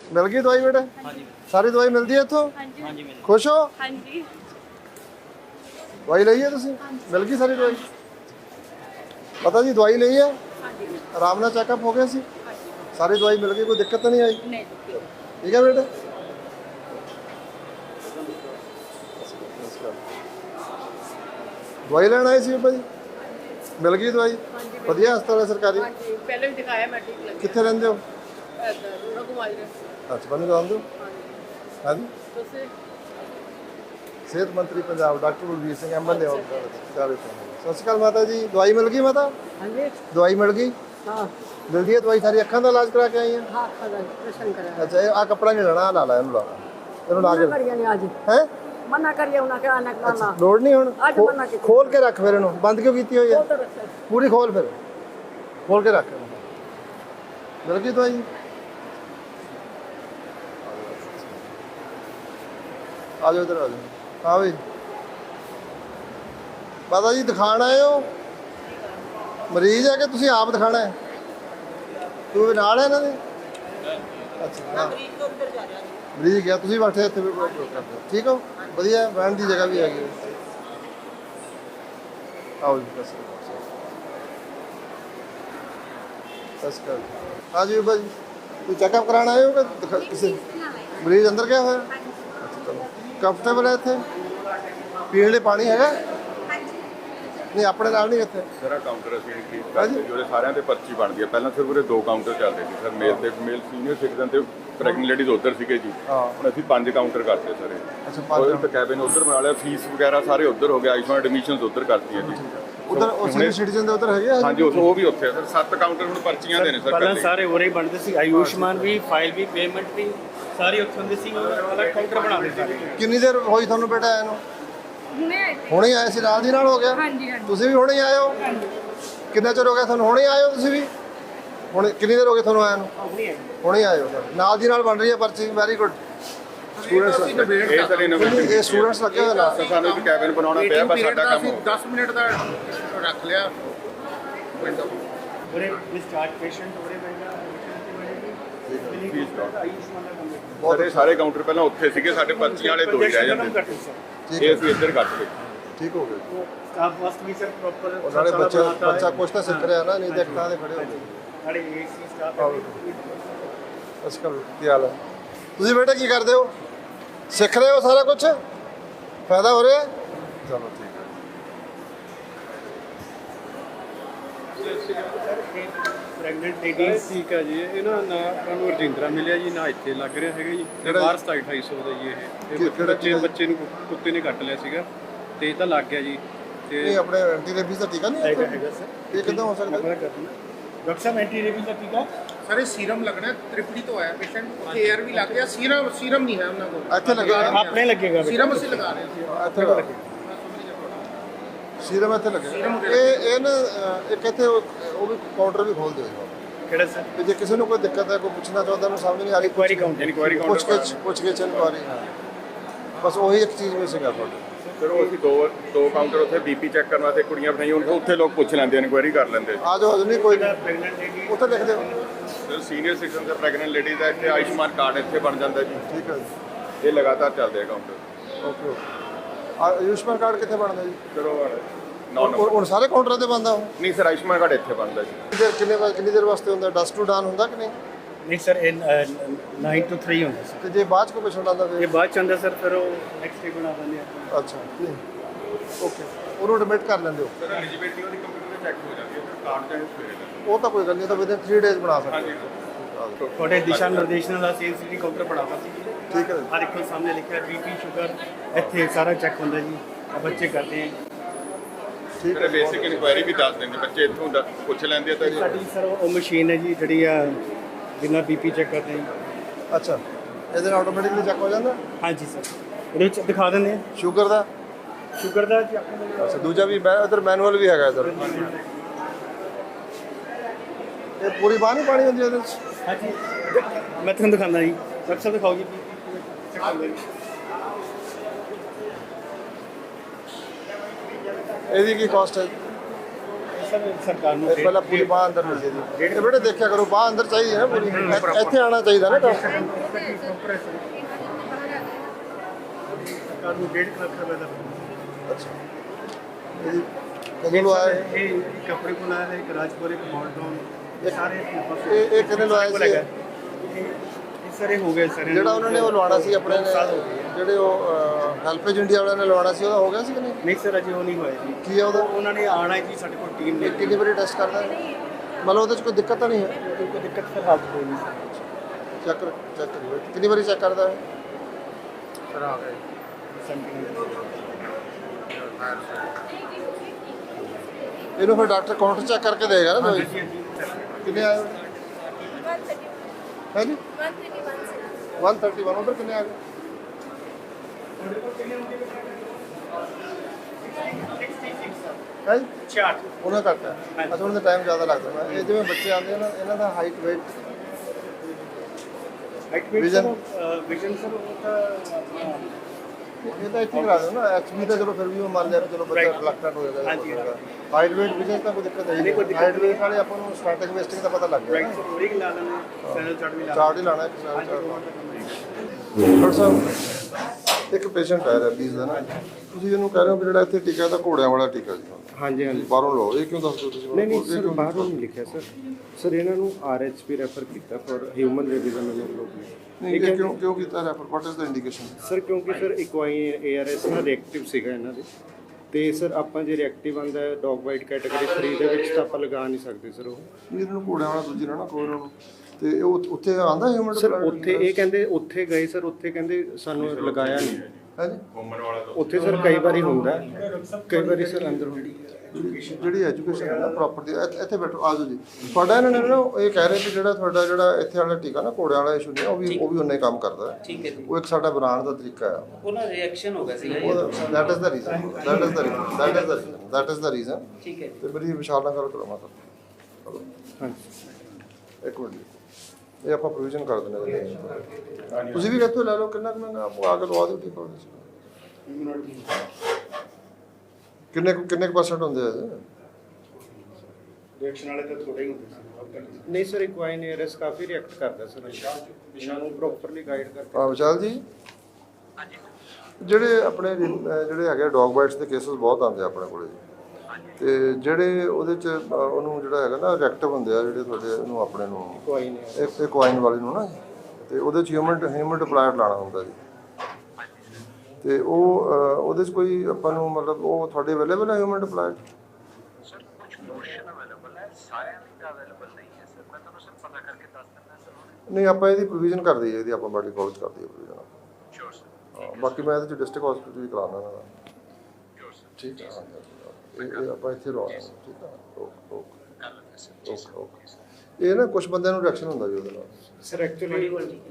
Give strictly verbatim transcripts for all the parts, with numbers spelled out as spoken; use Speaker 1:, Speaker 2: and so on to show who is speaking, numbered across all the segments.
Speaker 1: ਮਿਲ ਗਈ ਦਵਾਈ ਬੇਟੇ?
Speaker 2: ਹਾਂਜੀ
Speaker 1: ਸਾਰੀ ਦਵਾਈ ਮਿਲਦੀ ਹੈ ਇੱਥੋਂ?
Speaker 2: ਹਾਂਜੀ ਮਿਲ
Speaker 1: ਖੁਸ਼ ਹੋ?
Speaker 3: ਹਾਂਜੀ
Speaker 1: ਦਵਾਈ ਲਈ ਹੈ ਤੁਸੀਂ? ਮਿਲ ਗਈ ਸਾਰੀ ਦਵਾਈ? ਪਤਾ ਜੀ ਦਵਾਈ ਲਈ ਹੈ? ਆਰਾਮ ਨਾਲ ਚੈੱਕਅਪ ਹੋ ਗਿਆ ਸੀ? ਸਾਰੀ ਦਵਾਈ ਮਿਲ ਗਈ, ਕੋਈ ਦਿੱਕਤ ਤਾਂ ਨਹੀਂ ਆਈ?
Speaker 3: ਨਹੀਂ
Speaker 1: ਠੀਕ ਹੈ ਬੇਟੇ? ਦਵਾਈ ਲੈਣ ਆਏ ਸੀ ਭਾਜੀ? ਮਿਲ ਗਈ ਦਵਾਈ? ਵਧੀਆ ਹਸਪਤਾਲ ਹੈ ਸਰਕਾਰੀ?
Speaker 3: ਹਾਂਜੀ ਪਹਿਲੇ ਵੀ ਦਿਖਾਇਆ ਮੈਂ ਠੀਕ ਲੱਗਿਆ
Speaker 1: ਕਿੱਥੇ ਰਹਿੰਦੇ ਹੋ?
Speaker 3: ਇੱਧਰ ਰਘੁਮਾਜਰੇ
Speaker 1: ਅੱਛਾ ਬੰਦੇ ਜਾਣਦੇ ਹੋ? ਹਾਂਜੀ
Speaker 3: ਤੁਸੀਂ
Speaker 1: ਸਿਹਤ ਮੰਤਰੀ Punjab doctor Balbir Singh MLA of ਸਤਿ ਸ਼੍ਰੀ ਅਕਾਲ ਮਾਤਾ ਜੀ। ਦਵਾਈ ਮਿਲ ਗਈ ਮਾਤਾ?
Speaker 3: ਹਾਂਜੀ
Speaker 1: ਦਵਾਈ ਮਿਲ ਗਈ?
Speaker 3: ਹਾਂ
Speaker 1: ਮਿਲਦੀ ਹੈ ਦਵਾਈ? ਸਾਰੀ ਅੱਖਾਂ ਦਾ ਇਲਾਜ ਕਰਾ ਕੇ ਆਈ ਹੈ?
Speaker 3: ਹਾਂ ਖੜਾ ਪ੍ਰਸ਼ਨ ਕਰਾ
Speaker 1: ਅੱਛਾ ਇਹ ਆ ਕੱਪੜਾ ਨਹੀਂ ਲੈਣਾ, ਆਹ ਲਾ ਲਾ ਇਹਨੂੰ ਲਾ ਲਾ ਇਹਨੂੰ ਲਾ ਕੇ
Speaker 3: ਕਰੀਏ ਨਹੀਂ ਅੱਜ
Speaker 1: ਹੈ।
Speaker 3: ਮਨਾ ਕਰੀਏ ਉਹਨਾਂ ਕਿ ਆਣਾ ਕਰਨਾ
Speaker 1: ਲੋੜ ਨਹੀਂ ਹੁਣ
Speaker 3: ਅੱਜ
Speaker 1: ਖੋ-
Speaker 3: ਮਨਾ ਕੀਤੀ।
Speaker 1: ਖੋਲ ਕੇ ਰੱਖ ਫਿਰ ਇਹਨੂੰ। ਬੰਦ ਕਿਉਂ ਕੀਤੀ ਹੋਈ ਹੈ?
Speaker 3: ਉਹ ਤਾਂ ਰੱਖਿਆ
Speaker 1: ਪੂਰੀ ਖੋਲ ਫਿਰ, ਖੋਲ ਕੇ ਰੱਖ ਇਹਨੂੰ। ਮਿਲ ਗਈ ਦਵਾਈ? ਆ ਜਾਓ ਇੱਧਰ ਆ ਜਾਓ। ਹਾਂ ਬਈ ਮਾਤਾ ਜੀ ਦਿਖਾਣ ਆਏ ਹੋ? ਮਰੀਜ਼ ਹੈ ਕਿ ਤੁਸੀਂ ਆਪ ਦਿਖਾਣਾ ਹੈ? ਤੂੰ ਵੀ ਨਾਲ ਹੈ ਇਹਨਾਂ ਦੇ? ਅੱਛਾ ਹਾਂ। ਮਰੀਜ਼ ਗਿਆ, ਤੁਸੀਂ ਬੈਠੇ ਇੱਥੇ ਵੀ ਕਰਦੇ ਹੋ। ਠੀਕ ਹੋ? ਵਧੀਆ ਬਹਿਣ ਦੀ ਜਗ੍ਹਾ ਵੀ ਹੈਗੀ ਹੈ। ਆਓ ਜੀ ਬਸ ਬਸ ਕਰ। ਹਾਂ ਜੀ ਬਾਬਾ ਜੀ ਕੋਈ ਚੈੱਕਅਪ ਕਰਾਉਣ ਆਏ ਹੋ ਕਿ ਦਿਖਾ- ਕਿਸੇ ਮਰੀਜ਼ ਅੰਦਰ ਗਿਆ ਹੋਇਆ? ਅੱਛਾ ਚਲੋ ਕੰਫਰਟੇਬਲ ਹੈ ਇੱਥੇ? ਪੀਣ ਲਈ ਪਾਣੀ ਹੈਗਾ? ਨਹੀਂ ਆਪਣੇ ਨਾਲ ਨਹੀਂ ਇੱਥੇ
Speaker 4: ਸਾਰਾ ਕਾਊਂਟਰ ਅਸੀਂ ਕੀ ਕਰਦੇ ਜਿਹੜੇ ਸਾਰਿਆਂ ਦੇ ਪਰਚੀ ਬਣਦੀ ਹੈ। ਪਹਿਲਾਂ ਸਿਰਫ ਉਰੇ ਦੋ ਕਾਊਂਟਰ ਚੱਲਦੇ ਸੀ ਸਰ, ਮੇਲ ਤੇ ਮੇਲ ਸੀਨੀਅਰ ਸਿਟੀਜ਼ਨ ਤੇ ਪ੍ਰੈਗਨੈਂਟ ਲੇਡੀਜ਼ ਉੱਧਰ ਸੀਗੇ ਜੀ।
Speaker 1: ਹਾਂ
Speaker 4: ਹੁਣ ਅਸੀਂ ਪੰਜ ਕਾਊਂਟਰ ਕਰਤੇ ਸਾਰੇ।
Speaker 1: ਅੱਛਾ
Speaker 4: ਉਹ
Speaker 1: ਪੰਜ
Speaker 4: ਕੈਬਿਨ ਉੱਧਰ ਬਣਾ ਲਿਆ, ਫੀਸ ਵਗੈਰਾ ਸਾਰੇ ਉੱਧਰ ਹੋ ਗਏ, ਆਯੁਸ਼ਮਾਨ ਐਡਮਿਸ਼ਨਸ ਉੱਧਰ ਕਰਤੀਆਂ ਜੀ।
Speaker 1: ਉਧਰ ਉਹ ਸੀਨੀਅਰ ਸਿਟੀਜ਼ਨ ਦੇ ਉਧਰ ਹੈਗੇ ਆ?
Speaker 4: ਹਾਂਜੀ ਉਹ ਉਹ ਵੀ ਉੱਥੇ ਸਰ। ਸੱਤ ਕਾਊਂਟਰ ਹੁਣ ਪਰਚੀਆਂ ਦੇ ਨੇ ਸਰ
Speaker 2: ਪਹਿਲਾਂ
Speaker 4: ਇਕੱਲੇ।
Speaker 2: ਸਾਰੇ ਉਰੇ ਹੀ ਬਣਦੇ ਸੀ, ਆਯੁਸ਼ਮਾਨ ਵੀ, ਫਾਈਲ ਵੀ, ਪੇਮੈਂਟ ਵੀ ਸਾਰੀ ਉੱਥੇ ਹੁੰਦੀ ਸੀ। ਉਹ ਅਲੱਗ ਕਾਊਂਟਰ ਬਣਾ ਦਿੱਤੇ ਸੀ।
Speaker 1: ਕਿੰਨੀ ਦੇਰ ਹੋਈ ਤੁਹਾਨੂੰ ਬੇਟਾ ਆਇਆ ਨੂੰ?
Speaker 3: ਹੁਣੇ
Speaker 1: ਹੁਣੇ ਹੀ ਆਏ ਸੀ? ਨਾਲ ਦੀ ਨਾਲ ਹੋ ਗਿਆ?
Speaker 3: ਹਾਂਜੀ ਹਾਂਜੀ
Speaker 1: ਤੁਸੀਂ ਵੀ ਹੁਣੇ ਹੀ ਆਏ ਹੋ? ਕਿੰਨਾ ਚਿਰ ਹੋ ਗਿਆ ਤੁਹਾਨੂੰ? ਹੁਣੇ ਹੀ ਆਏ ਹੋ ਤੁਸੀਂ ਵੀ? ਹੁਣ ਕਿੰਨੀ ਦੇਰ ਹੋ ਗਈ ਤੁਹਾਨੂੰ ਆਇਆ ਨੂੰ? ਹੁਣੇ ਹੀ ਆਏ ਹੋ? ਨਾਲ ਦੀ ਨਾਲ ਬਣ ਰਹੀ ਹੈ ਪਰਚੀ। Very good. ਸਟੂਡੈਂਟਸ
Speaker 4: ਇਹ ਸਰ ਇਨੋਵੇਸ਼ਨ
Speaker 1: ਇਹ ਸਟੂਡੈਂਟਸ ਲੱਗੇ ਹੋਏ ਨਾਲ।
Speaker 4: ਸਾਨੂੰ ਇੱਕ ਕੈਬਿਨ ਬਣਾਉਣਾ ਪਿਆ, ਬਸ ਸਾਡਾ ਕੰਮ ਹੋ
Speaker 5: ਦਸ ਮਿੰਟ ਦਾ ਰੱਖ ਲਿਆ ਵਿੰਡੋ।
Speaker 2: ਉਰੇ ਡਿਸਚਾਰਜ ਪੇਸ਼ੈਂਟ ਉਰੇ ਬੈਠਾ
Speaker 4: ਫੀਸ ਦਾ।
Speaker 2: ਆਯੁਸ਼ਮਾਨ ਦਾ ਕੰਮ
Speaker 4: ਸਰ ਇਹ ਸਾਰੇ ਕਾਊਂਟਰ ਪਹਿਲਾਂ ਉੱਥੇ ਸੀਗੇ, ਸਾਡੇ ਪਰਚੀਆਂ ਵਾਲੇ ਦੋ ਹੀ ਰਹਿ ਜਾਂਦੇ
Speaker 2: ਕਰਦੇ
Speaker 4: ਸੀ।
Speaker 2: ਸਰ।
Speaker 4: ਇਹ ਅਸੀਂ ਇੱਧਰ ਕੱਟ ਲਏ।
Speaker 1: ਠੀਕ ਹੋ ਗਏ।
Speaker 2: ਸਟਾਫ ਵਾਸਟ ਵੀ ਸਰ ਪ੍ਰੋਪਰ
Speaker 1: ਉਹ ਨਾਲੇ ਬੱਚਾ ਬੱਚਾ ਕੁਛ ਤਾਂ ਸਿੱਖ ਰਿਹਾ ਨਾ, ਨਹੀਂ ਤਾਂ ਅੱਖਾਂ ਦੇ ਖੜੇ ਹੁੰਦੇ।
Speaker 2: ਸਾਡੇ ਏਸੀ ਸਟਾਫ
Speaker 1: ਅਸਕਲ ਕੀ ਹਾਲ ਹੈ? ਤੁਸੀਂ ਬੇਟਾ ਕੀ ਕਰਦੇ ਹੋ? ਸਿੱਖ ਰਹੇ ਹੋ ਸਾਰਾ ਕੁਝ? ਫਾਇਦਾ ਹੋ ਰਿਹਾ? ਚਲੋ ਠੀਕ ਹੈ।
Speaker 2: ਪ੍ਰੈਗਨੈਂਟ ਲੇਡੀਜ਼
Speaker 6: ਠੀਕ ਹੈ ਜੀ। ਇਹ ਨਾ ਨਾ ਸਾਨੂੰ ਰਜਿੰਦਰਾ ਮਿਲਿਆ ਜੀ, ਨਾ ਇੱਥੇ ਲੱਗ ਰਿਹਾ ਹੈਗਾ ਜੀ। ਤੇ
Speaker 1: ਕਿਹੜਾ
Speaker 6: ਬਾਹਰ ਸਤਾਈ ਅਠਾਈ ਸੌ ਦਾ ਜੀ ਇਹ।
Speaker 1: ਕਿ-
Speaker 6: ਤੇ
Speaker 1: ਕਿਹੜਾ
Speaker 6: ਬੱਚੇ
Speaker 1: ਟੀਕਾ ਜੀ?
Speaker 6: ਬੱਚੇ ਨੂੰ ਕੁ- ਕੁੱਤੇ ਨੇ ਕੱਟ ਲਿਆ ਸੀਗਾ ਤੇ ਇਹ ਤਾਂ ਲੱਗ ਗਿਆ ਜੀ। ਤੇ
Speaker 1: ਨਹੀਂ ਆਪਣੇ ਐਂਟੀ ਰੇਬੀਜ਼ ਦਾ ਟੀਕਾ ਨਹੀਂ ਹੈ?
Speaker 2: ਹੈਗਾ ਸਰ।
Speaker 1: ਇਹ ਕਿੱਦਾਂ ਹੋ ਸਕਦਾ?
Speaker 2: ਡਾਕਟਰ ਸਾਹਿਬ ਐਂਟੀ ਰੇਬੀਜ਼ ਦਾ ਟੀਕਾ
Speaker 5: ਸਰ ਇਹ ਸੀਰਮ ਲੱਗਣਾ, ਤ੍ਰਿਪੜੀ ਤੋਂ ਆਇਆ ਪੇਸ਼ੈਂਟ, ਉੱਥੇ ਏਅਰ ਵੀ ਲੱਗ ਗਿਆ। ਸੀਰਮ ਸੀਰਮ ਨਹੀਂ ਹੈ ਉਹਨਾਂ ਕੋਲ।
Speaker 1: ਇੱਥੇ ਲੱਗੇਗਾ?
Speaker 2: ਆਪਣੇ ਲੱਗੇਗਾ
Speaker 5: ਸੀਰਮ ਅਸੀਂ ਲਗਾ ਰਹੇ ਸੀ।
Speaker 1: ਇੱਥੇ ਲਗਾ ਸੀਰਮ ਇੱਥੇ ਲੱਗੇਗਾ। ਇਹ ਇਹ ਨਾ ਅਹ, ਇੱਕ ਇੱਥੇ ਉਹ ਉਹ ਵੀ ਕਾਊਂਟਰ ਵੀ ਖੋਲ ਦਿਓ ਜੀ।
Speaker 2: ਕਿਹੜਾ ਸਰ?
Speaker 1: ਤੇ ਜੇ ਕਿਸੇ ਨੂੰ ਕੋਈ ਦਿੱਕਤ ਹੈ, ਕੋਈ ਪੁੱਛਣਾ ਚਾਹੁੰਦਾ ਉਹਨੂੰ ਸਮਝ ਨਹੀਂ ਆ ਰਹੀ,
Speaker 2: ਇਨਕੁਆਇਰੀ ਕਾਊਂਟਰ
Speaker 4: ਇਨਕੁਆਇਰੀ
Speaker 1: ਪੁੱਛ
Speaker 4: ਕਾਊਂਟਰ
Speaker 1: ਕੇ ਪੁੱਛ ਕੇ ਇਨਕੁਆਇਰੀ। ਬਸ ਉਹੀ ਇੱਕ ਚੀਜ਼ ਵਿੱਚ ਸੀਗਾ ਤੁਹਾਡੇ।
Speaker 4: ਫਿਰ ਉਹ ਅਸੀਂ ਦੋ ਦੋ ਕਾਊਂਟਰ ਉੱਥੇ ਬੀਪੀ ਚੈੱਕ ਕਰਨ ਵਾਸਤੇ ਕੁੜੀਆਂ ਬਣਾਈਆਂ, ਉਹਨਾਂ ਉੱਥੇ ਲੋਕ ਪੁੱਛ ਲੈਂਦੇ, ਇਨਕੁਆਇਰੀ ਕਰ ਲੈਂਦੇ।
Speaker 1: ਆ ਜਾਓ, ਹਜੇ ਨਹੀਂ ਕੋਈ ਨਹੀਂ,
Speaker 2: ਪ੍ਰੈਗਨੈਂਟ ਲੇਡੀ
Speaker 1: ਉੱਥੇ ਲਿਖ ਦਿਓ।
Speaker 4: ਸਰ ਸੀਨੀਅਰ ਸਿਟੀਜ਼ਨ ਤੇ ਪ੍ਰੈਗਨੈਂਟ ਲੇਡੀਜ਼ ਦਾ ਇੱਥੇ ਆਯੁਸ਼ਮਾਨ ਕਾਰਡ ਇੱਥੇ ਬਣ ਜਾਂਦਾ ਜੀ।
Speaker 1: ਠੀਕ ਹੈ ਜੀ।
Speaker 4: ਇਹ ਲਗਾਤਾਰ ਚੱਲਦੇ ਆ ਕਾਊਂਟਰ।
Speaker 1: Okay okay. ਆ ਆਯੁਸ਼ਮਾਨ ਕਾਰਡ ਕਿੱਥੇ ਬਣਦਾ ਜੀ?
Speaker 4: ਫਿਰ ਉਹ ਨੌ ਨੰਬਰ
Speaker 1: ਹੁਣ ਹੁਣ ਸਾਰੇ ਕਾਊਂਟਰਾਂ ਤੇ ਬਣਦਾ ਉਹ?
Speaker 4: ਨਹੀਂ ਸਰ, ਆਯੁਸ਼ਮਾਨ ਕਾਰਡ ਇੱਥੇ ਬਣਦਾ ਜੀ।
Speaker 1: ਕਿੰਨੀ ਦੇਰ ਕਿੰਨੇ ਵਾ- ਕਿੰਨੀ ਦੇਰ ਵਾਸਤੇ ਹੁੰਦਾ? ਡਸਟ ਟੂ ਡਾਨ ਹੁੰਦਾ ਕਿ ਨਹੀਂ?
Speaker 2: ਨਹੀਂ ਸਰ, ਇਹ ਨਾਈਨ ਟੂ ਥ੍ਰੀ ਹੁੰਦਾ ਸਰ।
Speaker 1: ਤੇ ਜੇ ਬਾਅਦ ਚ ਕੋਈ ਪੇਸ਼ੈਂਟ ਆਉਂਦਾ
Speaker 2: ਇਹ
Speaker 1: ਫਿਰ?
Speaker 2: ਬਾਅਦ ਚ ਆਉਂਦਾ ਸਰ, ਫਿਰ ਉਹ ਨੈਕਸਟ ਡੇ ਬਣਾ ਦਿੰਦੇ ਆ।
Speaker 1: ਅੱਛਾ ਨਹੀਂ ਓਕੇ, ਉਹਨੂੰ ਐਡਮਿਟ ਕਰ ਲੈਂਦੇ ਹੋ?
Speaker 4: ਸਰ ਐਲੀਜੀਬਿਲਟੀ ਉਹਦੀ ਕੰਪਿਊਟਰ ਤੇ ਚੈੱਕ ਹੋ ਜਾਂਦੀ ਹੈ, ਫਿਰ ਕਾਰਡ ਚਾਹੇ ਸਵੇਰੇ
Speaker 1: ਉਹ ਤਾਂ ਕੋਈ ਗੱਲ ਨਹੀਂ, ਤਾਂ ਵਿਦਿਨ ਥ੍ਰੀ ਡੇਜ਼ ਬਣਾ ਸਕਦੇ ਹੋ।
Speaker 2: ਤੁਹਾਡੇ ਦਿਸ਼ਾ ਨਿਰਦੇਸ਼ਾਂ ਦਾ ਸੇਲ ਸਿਟੀ ਕਾਊਂਟਰ ਬਣਾਵਾ ਸੀ।
Speaker 1: ਠੀਕ ਹੈ
Speaker 2: ਹਰ ਇੱਕ ਸਾਹਮਣੇ ਲਿਖਿਆ ਬੀਪੀ ਸ਼ੂਗਰ, ਇੱਥੇ ਸਾਰਾ ਚੈੱਕ ਹੁੰਦਾ ਜੀ। ਆ ਬੱਚੇ ਕਰਦੇ ਆ।
Speaker 1: ਠੀਕ
Speaker 4: ਫਿਰ
Speaker 1: ਹੈ।
Speaker 4: ਬੇਸਿਕ ਇਨਕੁਆਇਰੀ ਵੀ ਦੱਸ ਦਿੰਦੇ, ਬੱਚੇ ਇੱਥੋਂ ਦਾ ਪੁੱਛ ਲੈਂਦੇ ਆ ਤਾਂ ਜੀ।
Speaker 2: ਸਾਡੀ ਸਰ ਉਹ ਮਸ਼ੀਨ ਹੈ ਜੀ ਜਿਹੜੀ ਆ ਜਿੰਨਾ ਬੀਪੀ ਚੈੱਕ ਕਰਦੇ ਆ।
Speaker 1: ਅੱਛਾ ਇਹਦੇ ਨਾਲ ਆਟੋਮੈਟਿਕਲੀ ਚੈੱਕ ਹੋ ਜਾਂਦਾ?
Speaker 2: ਹਾਂਜੀ ਸਰ, ਉਹਦੇ ਵਿੱਚ ਦਿਖਾ ਦਿੰਦੇ ਆ
Speaker 1: ਸ਼ੂਗਰ ਦਾ?
Speaker 2: ਸ਼ੂਗਰ ਦਾ ਜੀ ਆਪਣੇ
Speaker 1: ਅੱਛਾ ਦੂਜਾ ਵੀ ਮੈਂ ਇਧਰ ਮੈਨੂਅਲ ਵੀ ਹੈਗਾ ਇਧਰ। ਇਹ ਪੂਰੀ ਬਾਹ ਨਹੀਂ ਪਾਣੀ ਹੁੰਦੀ ਇਹਦੇ ਵਿੱਚ?
Speaker 2: ਹਾਂਜੀ ਮੈਂ ਤੁਹਾਨੂੰ ਦਿਖਾਉਂਦਾ ਜੀ। ਡਾਕਟਰ ਸਾਹਿਬ ਦਿਖਾਓ ਜੀ ਬੀਪੀ ਚੈੱਕ ਕਰਦੇ ਜੀ।
Speaker 1: ਇਹਦੀ ਕੀ ਕਾਸਟ ਹੈ?
Speaker 6: ਸਰ ਸਰਕਾਰ ਨੂੰ
Speaker 1: ਇਹ ਪਹਿਲਾਂ ਪੂਰੀ ਬਾਹ ਅੰਦਰ ਨਹੀਂ ਚਾਹੀਦੀ ਇਹ ਬੇਟੇ ਦੇਖਿਆ ਕਰੋ ਬਾਹ ਅੰਦਰ ਚਾਹੀਦੀ ਹੈ ਨਾ ਪੂਰੀ ਇੱਥੇ- ਇੱਥੇ ਆਉਣਾ ਚਾਹੀਦਾ ਨਾ ਡਾਕਟਰ
Speaker 6: ਸਰਕਾਰ ਨੂੰ ਡੇਢ ਕੁ ਲੱਖ ਰੁਪਏ ਦਾ
Speaker 1: ਅੱਛਾ ਇਹ ਕਦੋਂ ਲਵਾਇਆ ਇਹ?
Speaker 6: ਇਹ ਇੱਕ ਆਪਣੇ ਕੋਲ ਆਇਆ ਹੈ, ਇੱਕ ਰਾਜਪੁਰ, ਇੱਕ ਮੌਲਟਾਊਨ, ਇਹ ਸਾਰੇ
Speaker 1: ਇਹ ਇਹ ਕਿੰਨੇ ਲਵਾਇਆ ਸੀ
Speaker 6: ਸਰ ਇਹ ਹੋ ਗਏ ਸਰ
Speaker 1: ਜਿਹੜਾ ਉਹਨਾਂ ਨੇ ਉਹ ਲਵਾਉਣਾ ਸੀ ਆਪਣੇ ਨੇ ਜਿਹੜੇ ਉਹ ਹੈਲਪੇਜ ਇੰਡੀਆ ਵਾਲਿਆਂ ਨੇ ਲਵਾਉਣਾ ਸੀ ਉਹਦਾ ਹੋ ਗਿਆ ਸੀ ਕਿ ਨਹੀਂ
Speaker 6: ਨਹੀਂ ਸਰ ਅਜੇ ਉਹ ਨਹੀਂ ਹੋਇਆ ਜੀ
Speaker 1: ਕੀ ਹੈ ਉਹਦਾ
Speaker 6: ਉਹਨਾਂ ਨੇ ਆਣਾ ਜੀ ਸਾਡੇ ਕੋਲ ਟੀਮ ਨੇ
Speaker 1: ਇਹ ਕਿੰਨੀ ਵਾਰੀ ਟੈਸਟ ਕਰਦਾ ਹੈ ਮਤਲਬ ਉਹਦੇ 'ਚ ਕੋਈ ਦਿੱਕਤ ਤਾਂ ਨਹੀਂ ਹੈ
Speaker 6: ਕੋਈ ਦਿੱਕਤ ਫਿਰ ਹਾਲ ਕੋਈ ਨਹੀਂ ਸਰ
Speaker 1: ਚੈੱਕ ਚੈੱਕ ਕਰੀਏ ਕਿੰਨੀ ਵਾਰੀ ਚੈੱਕ ਕਰਦਾ ਹੈ
Speaker 5: ਸਰ ਆ ਗਏ
Speaker 1: ਇਹਨੂੰ ਫਿਰ ਡਾਕਟਰ ਕਾਊਂਟਰ ਚੈੱਕ ਕਰਕੇ ਦੇਗਾ ਨਾ ਦਵਾਈ ਕਿੰਨੇ ਆਏ ਹੈ ਜੀ one thirty-one ਉਧਰ ਕਿੰਨੇ ਆ ਗਏ ਹੈ ਜੀ
Speaker 2: ਛਿਆਹਠ
Speaker 1: ਉਹਨਾਂ ਘੱਟ ਹੈ ਅੱਛਾ ਉਹਨਾਂ ਦਾ ਟਾਈਮ ਜ਼ਿਆਦਾ ਲੱਗਦਾ ਹੈ ਇਹ ਜਿਵੇਂ ਬੱਚੇ ਆਉਂਦੇ ਆ ਨਾ ਇਹਨਾਂ ਦਾ height weight
Speaker 6: height
Speaker 1: Vision?
Speaker 6: Vision sir ਉਹ ਤਾਂ
Speaker 1: ਇਹ ਤਾਂ ਇੱਥੇ ਕਰਾ ਦਿਓ ਨਾ ਐਚਪੀ ਤਾਂ ਚਲੋ ਫਿਰ ਵੀ ਉਹ ਮੰਨ ਲਿਆ ਵੀ ਚਲੋ ਬੱਚਾ ਰਿਲੈਕਟੈਂਟ ਹੋਏਗਾ ਹਾਈਟ ਵੇਟ ਵਿਜਨ ਤਾਂ ਕੋਈ ਦਿੱਕਤ ਹੈ ਨਹੀਂ ਹਾਈਟ ਵੇਟ ਵਾਲੇ ਆਪਾਂ ਨੂੰ ਸਟੈਟਿਕ ਵੇਸਟਿੰਗ ਦਾ ਪਤਾ ਲੱਗ ਗਿਆ
Speaker 6: ਰਾਈਟ ਸਰ ਥੋੜੀ ਲਾ ਲੈਣਾ ਚੈਨਲ ਚੜ ਵੀ ਲਾ
Speaker 1: ਚਾਰਟ ਹੀ ਲਾਣਾ ਇੱਕ ਚਾਰਟ ਡਾਕਟਰ ਸਾਹਿਬ ਇੱਕ ਪੇਸ਼ੈਂਟ ਆਇਆ ਰੈਬੀਜ਼ ਦਾ ਨਾ ਤੁਸੀਂ ਇਹਨੂੰ ਕਹਿ ਰਹੇ ਹੋ ਵੀ ਜਿਹੜਾ ਇੱਥੇ ਟੀਕਾ ਤਾਂ ਘੋੜਿਆਂ ਵਾਲਾ ਟੀਕਾ ਜੀ
Speaker 6: ਹਾਂਜੀ ਹਾਂਜੀ
Speaker 1: ਬਾਹਰੋਂ ਲਓ ਇਹ ਕਿਉਂ ਦੱਸ ਦਿਓ ਤੁਸੀਂ
Speaker 6: ਨਹੀਂ ਨਹੀਂ
Speaker 1: ਇਹ
Speaker 6: ਸਰ
Speaker 1: ਕਿਉਂ-
Speaker 6: ਬਾਹਰੋਂ ਨਹੀਂ ਲਿਖਿਆ ਸਰ ਸਰ ਇਹਨਾਂ ਨੂੰ ਆਰ ਐਚ ਪੀ ਰੈਫਰ ਕੀਤਾ ਫॉर ਹਿਊਮਨ ਰਿਵੀਜ਼ਨ ਲੋਕ
Speaker 1: ਨਹੀਂ ਇਹ ਕਿਉਂ ਕਿਉਂ ਕੀਤਾ refer what is the indication
Speaker 6: sir ਕਿਉਂਕਿ sir equine A R S ਨਾਲ ਰਿਐਕਟਿਵ ਸੀਗਾ ਇਹਨਾਂ ਦੇ ਤੇ ਸਰ ਆਪਾਂ ਜੇ ਰਿਐਕਟਿਵ ਆਂਦਾ ਹੈ ਡੌਗ ਵਾਈਟ ਕੈਟਾਗਰੀ ਥ੍ਰੀ ਦੇ ਵਿੱਚ ਤਾਂ ਆਪਾਂ ਲਗਾ ਨਹੀਂ ਸਕਦੇ ਸਰ ਉਹ
Speaker 1: ਇਹਨਾਂ ਨੂੰ ਘੋੜਿਆਂ ਵਾਲਾ ਦੂਜੀ ਨਾ ਨਾ ਕੋਈ ਉਹਨਾਂ ਨੂੰ ਤੇ ਉਹ ਉੱਥੇ ਆਂਦਾ ਹਿਊਮਨ
Speaker 6: ਸਰ ਉੱਥੇ ਇਹ ਕਹਿੰਦੇ ਉੱਥੇ ਗਏ ਸਰ ਉੱਥੇ ਕਹਿੰਦੇ ਸਾਨੂੰ ਲਗਾਇਆ ਨਹੀਂ
Speaker 1: ਹੈ ਜੀ
Speaker 4: ਘੁੰਮਣ ਵਾਲਾ ਤਾਂ
Speaker 6: ਉੱਥੇ ਸਰ ਕਈ ਵਾਰੀ ਹੁੰਦਾ ਹੈ, ਕਈ ਵਾਰੀ ਸਰ ਅੰਦਰ ਹੁੰਦੀ ਹੈ
Speaker 1: ਜਿਹੜੀ ਐਜੂਕੇਸ਼ਨ ਹੈ ਨਾ ਪ੍ਰੋਪਰ ਦੀ ਇੱਥੇ- ਇੱਥੇ ਬੈਠੋ ਆ ਜਾਓ ਜੀ ਤੁਹਾਡਾ ਇਹਨਾਂ ਨੇ ਨਾ ਇਹ ਕਹਿ ਰਹੇ ਕਿ ਜਿਹੜਾ ਤੁਹਾਡਾ ਜਿਹੜਾ ਇੱਥੇ ਵਾਲਾ ਟੀਕਾ ਨਾ ਘੋੜਿਆਂ ਵਾਲਾ ਇਸ਼ੂ ਨਹੀਂ ਉਹ ਵੀ ਉਹ ਵੀ ਉਨਾ ਹੀ ਕੰਮ ਕਰਦਾ ਹੈ
Speaker 7: ਠੀਕ ਹੈ ਜੀ
Speaker 1: ਉਹ ਇੱਕ ਸਾਡਾ ਬਣਾਉਣ ਦਾ ਤਰੀਕਾ ਹੈ
Speaker 7: ਉਹਨਾਂ ਰਿਐਕਸ਼ਨ ਹੋ ਗਿਆ ਸੀਗਾ ਜੀ
Speaker 1: that is the reason that is the reason that is the reason that is the reason
Speaker 7: ਠੀਕ ਹੈ
Speaker 1: ਤੇ ਮੇਰੀ ਵਿਸ਼ਾਲ ਨਾਲ ਗੱਲ ਕਰੋ ਮਾਤਾ ਚਲੋ
Speaker 6: ਹਾਂਜੀ
Speaker 1: ਇੱਕ ਮਿੰਟ ਇਹ ਆਪਾਂ ਪ੍ਰੋਵੀਜ਼ਨ ਕਰ ਦਿੰਦੇ ਹਾਂ ਤੁਸੀਂ ਵੀ ਕਿੱਥੋਂ ਲੈ ਲਓ ਕਿੰਨਾ ਕੁ ਮਹਿੰਗਾ ਆਪੋ ਆ ਕੇ ਲਵਾ ਦਿਓ ਟੀਕਾ ਉਹਦੇ 'ਚ ਕਿੰਨੇ ਕੁ- ਕਿੰਨੇ ਪਰਸੈਂਟ ਹੁੰਦੇ ਆ ਇਹਦੇ?
Speaker 6: ਰਿਐਕਸ਼ਨ ਵਾਲੇ ਤਾਂ ਥੋੜੇ ਹੀ ਹੁੰਦੇ ਸਰ ਨਹੀਂ ਸਰ ਇਕਵਾਈ ਨੇ ਰਸ ਕਾਫੀ ਰਿਐਕਟ ਕਰਦਾ ਸਰ ਇਹਨਾਂ ਨੂੰ ਪ੍ਰੋਪਰਲੀ ਗਾਈਡ ਕਰਕੇ
Speaker 1: ਹਾਂ ਵਿਸ਼ਾਲ ਜੀ ਜਿਹੜੇ ਆਪਣੇ ਅਹ ਜਿਹੜੇ ਹੈਗੇ ਡੌਗ ਬਾਈਟਸ ਦੇ ਕੇਸਸ ਬਹੁਤ ਆਉਂਦੇ ਆ ਆਪਣੇ ਕੋਲੇ ਜੀ ਤੇ ਜਿਹੜੇ ਉਹਦੇ ਚ ਅਹ ਉਹਨੂੰ ਜਿਹੜਾ ਹੈਗਾ ਨਾ ਰਿਐਕਟਿਵ ਹੁੰਦੇ ਆ ਜਿਹੜੇ ਤੁਹਾਡੇ ਉਹਨੂੰ ਆਪਣੇ ਨੂੰ
Speaker 6: ਇਕਵਾਈ ਨੇ
Speaker 1: ਇੱਕ ਇਕਵਾਈਨ ਵਾਲੀ ਨੂੰ ਨਾ ਤੇ ਉਹਦੇ ਚ ਹਿਊਮਨ ਹਿਊਮਨ ਡਿਪਲਾਇਰ ਲਾਣਾ ਹੁੰਦਾ ਜੀ ਤੇ ਉਹ ਅਹ ਉਹਦੇ ਚ ਕੋਈ ਆਪਾਂ ਨੂੰ ਮਤਲਬ ਉਹ ਤੁਹਾਡੇ ਅਵੇਲੇਬਲ ਹੈ ਹਿਊਮਨ ਡਿਪਲਾਇਰ
Speaker 8: ਸਰ ਕੁਝ ਪੋਰਸ਼ਨ ਅਵੇਲੇਬਲ ਹੈ ਸਾਰਿਆਂ ਲਈ ਤਾਂ ਅਵੇਲੇਬਲ ਨਹੀਂ ਹੈ ਸਰ ਮੈਂ ਤੁਹਾਨੂੰ ਸਰ ਪਤਾ ਕਰਕੇ ਦੱਸ ਦਿੰਦਾ ਸਰ
Speaker 1: ਨਹੀਂ ਆਪਾਂ ਇਹਦੀ ਪ੍ਰੋਵੀਜ਼ਨ ਕਰ ਦਈਏ ਇਹਦੀ ਆਪਾਂ ਮੈਡੀਕਲ ਕਾਲਜ ਕਰ ਦਈਏ ਪ੍ਰੋਵੀਜ਼ਨ
Speaker 8: ਸ਼ੋਰ ਸਰ
Speaker 1: ਬਾਕੀ ਮੈਂ ਇਹਦੇ ਚ ਡਿਸਟ੍ਰਿਕਟ ਹਸਪੀਟਲ ਵੀ ਕਰਾਉਣਾ ਇਹਨਾਂ ਦਾ
Speaker 8: ਸ਼ੋਰ ਸਰ
Speaker 1: ਠੀਕ ਹੈ ਹਾਂਜੀ, ਇਹ ਇਹ ਆਪਾਂ ਇੱਥੇ ਲਵਾਉਣਾ ਠੀਕ ਹੈ ਓਕੇ ਓਕੇ
Speaker 8: ਕਰ ਲੈਂਦੇ ਸਰ
Speaker 1: ਓਕੇ ਓਕੇ ਇਹ ਨਾ ਕੁਝ ਬੰਦਿਆਂ ਨੂੰ ਰਿਐਕਸ਼ਨ ਹੁੰਦਾ ਜੀ ਉਹਦੇ ਨਾਲ
Speaker 6: ਸਰ ਐਕਚੁਅਲੀ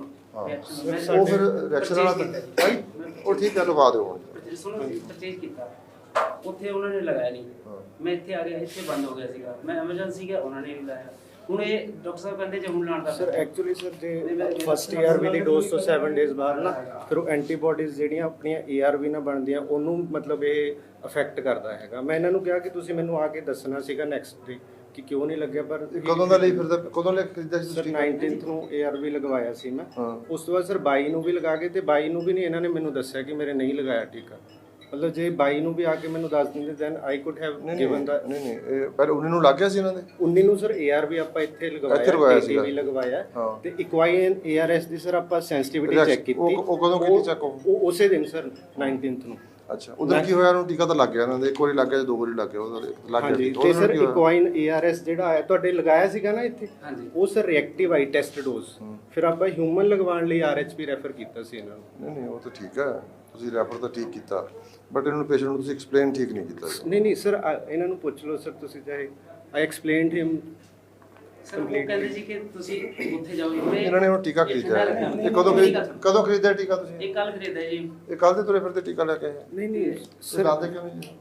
Speaker 1: ਹਾਂ ਉਹ ਫਿਰ ਰਿਐਕਸ਼ਨ ਵਾਲਾ ਤਾਂ ਭਾਈ ਉਹ ਠੀਕ ਹੈ ਲਗਾ ਦਿਓ ਹੁਣ
Speaker 7: ਸੁਣੋ ਪਰਚੇਜ ਕੀਤਾ ਉੱਥੇ ਉਹਨਾਂ ਨੇ ਲਗਾਇਆ ਨਹੀਂ ਮੈਂ ਇੱਥੇ ਆ ਗਿਆ ਇੱਥੇ ਬੰਦ ਹੋ ਗਿਆ ਸੀਗਾ ਮੈਂ ਐਮਰਜੈਂਸੀ ਗਿਆ ਉਹਨਾਂ ਨੇ ਵੀ ਲਾਇਆ ਹੁਣ ਇਹ ਡਾਕਟਰ ਸਾਹਿਬ ਕਹਿੰਦੇ ਜੇ ਹੁਣ ਲਾਣ ਦਾ
Speaker 6: ਸਰ ਐਕਚੁਅਲੀ ਸਰ ਜੇ ਫਸਟ ਏਆਰਵੀ ਦੀ ਡੋਜ਼ ਤੋਂ ਸੈਵਨ ਡੇਜ਼ ਬਾਅਦ ਨਾ ਫਿਰ ਉਹ ਐਂਟੀਬਾਡੀਜ਼ ਜਿਹੜੀਆਂ ਆਪਣੀਆਂ ਏਆਰਵੀ ਨਾਲ ਬਣਦੀਆਂ ਉਹਨੂੰ ਮਤਲਬ ਇਹ ਅਫੈਕਟ ਕਰਦਾ ਹੈਗਾ ਮੈਂ ਇਹਨਾਂ ਨੂੰ ਕਿਹਾ ਕਿ ਤੁਸੀਂ ਮੈਨੂੰ ਆ ਕੇ ਦੱਸਣਾ ਸੀਗਾ ਨੈਕਸਟ ਡੇ ਕਿ ਕਿਉਂ ਨਹੀਂ ਲੱਗਿਆ ਪਰ
Speaker 1: ਕਦੋਂ ਦਾ ਲਈ ਫਿਰਦਾ ਕਦੋਂ ਲੈ ਕੇ ਖਰੀਦਿਆ ਸੀ
Speaker 6: ਸਰ
Speaker 1: ਤੁਸੀਂ
Speaker 6: ਨਾਈਨਟੀਨਥ ਨੂੰ ਏਆਰਵੀ ਲਗਵਾਇਆ ਸੀ ਮੈਂ
Speaker 1: ਹਾਂ।
Speaker 6: ਉਸ ਤੋਂ ਬਾਅਦ ਸਰ ਬਾਈ ਨੂੰ ਵੀ ਲਗਾ ਕੇ ਤੇ ਬਾਈ ਨੂੰ ਵੀ ਨਹੀਂ ਇਹਨਾਂ ਨੇ ਮੈਨੂੰ ਦੱਸਿਆ ਕਿ ਮੇਰੇ ਨਹੀਂ ਲਗਾਇਆ ਟੀਕਾ ਮਤਲਬ ਜੇ ਬਾਈ ਨੂੰ ਵੀ ਆ ਕੇ ਮੈਨੂੰ ਦੱਸ ਦਿੰਦੇ ਦੈਨ ਆਈ ਕੁਡ ਹੈਵ
Speaker 1: ਨਹੀਂ
Speaker 6: ਗਿਵਨ ਦਾ
Speaker 1: ਨਹੀਂ ਨਹੀਂ ਇਹ ਪਹਿਲੇ ਉੱਨੀ ਨੂੰ ਲੱਗ ਗਿਆ ਸੀ ਇਹਨਾਂ ਦੇ
Speaker 6: ਉੱਨੀ ਨੂੰ ਸਰ ਏਆਰਵੀ ਆਪਾਂ ਇੱਥੇ ਲਗਵਾਇਆ
Speaker 1: ਇੱਥੇ ਲਗਵਾਇਆ ਸੀਗਾ।
Speaker 6: ਵੀ ਲਗਵਾਇਆ
Speaker 1: ਹਾਂ।
Speaker 6: ਤੇ ਇਕਵਾਈਨ ਏਆਰਐਸ ਦੀ ਸਰ ਆਪਾਂ ਸੈਂਸਿਟੀਵਿਟੀ
Speaker 1: Reaction-
Speaker 6: ਚੈੱਕ ਕੀਤੀ
Speaker 1: ਉਹ- ਉਹ ਕਦੋਂ ਕੀਤੀ check ਉਹ?
Speaker 6: ਉਹ ਉਸੇ ਦਿਨ ਸਰ ਨਾਈਨਟੀਨਥ ਨੂੰ
Speaker 1: ਅੱਛਾ ਉਧਰ ਕੀ ਹੋਇਆ ਉਹਨੂੰ ਟੀਕਾ ਤਾਂ ਲੱਗ ਗਿਆ ਇਹਨਾਂ ਦੇ ਇੱਕ ਵਾਰੀ ਲੱਗ ਗਿਆ ਜਾਂ ਦੋ ਵਾਰੀ ਲੱਗ ਗਿਆ ਉਹਦਾ ਲੱਗ ਗਿਆ
Speaker 6: ਹਾਂਜੀ
Speaker 1: ਟੀਕਾ।
Speaker 6: ਤੇ
Speaker 1: ਉਹਦੇ ਨਾਲ
Speaker 6: ਸਰ
Speaker 1: ਕੀ ਹੋਇਆ?
Speaker 6: ਇਕਵਾਈਨ ਏਆਰਐਸ ਜਿਹੜਾ ਆਇਆ ਤੁਹਾਡੇ ਲਗਾਇਆ ਸੀਗਾ ਨਾ ਇੱਥੇ
Speaker 7: ਹਾਂਜੀ
Speaker 6: ਉਹ ਸਰ ਰਿਐਕਟਿਵ ਆਈ ਟੈਸਟ ਡੋਜ਼ ਫਿਰ ਆਪਾਂ ਹਿਊਮਨ ਲਗਵਾਉਣ ਲਈ ਆਰਐਚਪੀ ਰੈਫਰ ਕੀਤਾ ਸੀ ਇਹਨਾਂ ਨੂੰ
Speaker 1: ਨਹੀਂ ਨਹੀਂ ਉਹ ਤਾਂ ਠੀਕ ਹੈ ਤੁਸੀਂ ਰੈਫਰ ਤਾਂ ਠੀਕ ਕੀਤਾ ਬਟ ਇਹਨਾਂ ਨੂੰ ਪੇਸ਼ੈਂਟ ਨੂੰ ਤੁਸੀਂ ਐਕਸਪਲੇਨ ਠੀਕ ਨਹੀਂ ਕੀਤਾ ਜੀ।
Speaker 6: ਨਹੀਂ ਨਹੀਂ ਸਰ ਇਹਨਾਂ ਨੂੰ ਪੁੱਛ ਲਓ ਸਰ ਤੁਸੀਂ ਚਾਹੇ ਆਈ ਐਕਸਪਲੇਨਡ ਹਿਮ
Speaker 7: ਸਰ ਉਹ ਕਹਿੰਦੇ ਸੀ ਕਿ ਤੁਸੀਂ ਉੱਥੇ ਜਾਓ
Speaker 1: ਇਹਨਾਂ ਨੇ ਹੁਣ ਟੀਕਾ ਖਰੀਦਿਆ ਹੈ। ਇਹ ਕਦੋਂ ਖਰੀਦ ਕਦੋਂ ਖਰੀਦਿਆ ਟੀਕਾ ਤੁਸੀਂ
Speaker 7: ਇਹ ਕੱਲ ਖਰੀਦਿਆ ਜੀ
Speaker 1: ਇਹ ਕੱਲ ਦੇ ਤੁਰੇ ਫਿਰਦੇ ਟੀਕਾ ਲੈ ਕੇ ਆਏ
Speaker 6: ਨਹੀਂ ਨਹੀਂ
Speaker 1: ਸਰ
Speaker 6: ਸਰ
Speaker 1: ਦੱਸਦੇ ਕਿਉਂ ਨਹੀਂ ਜੀ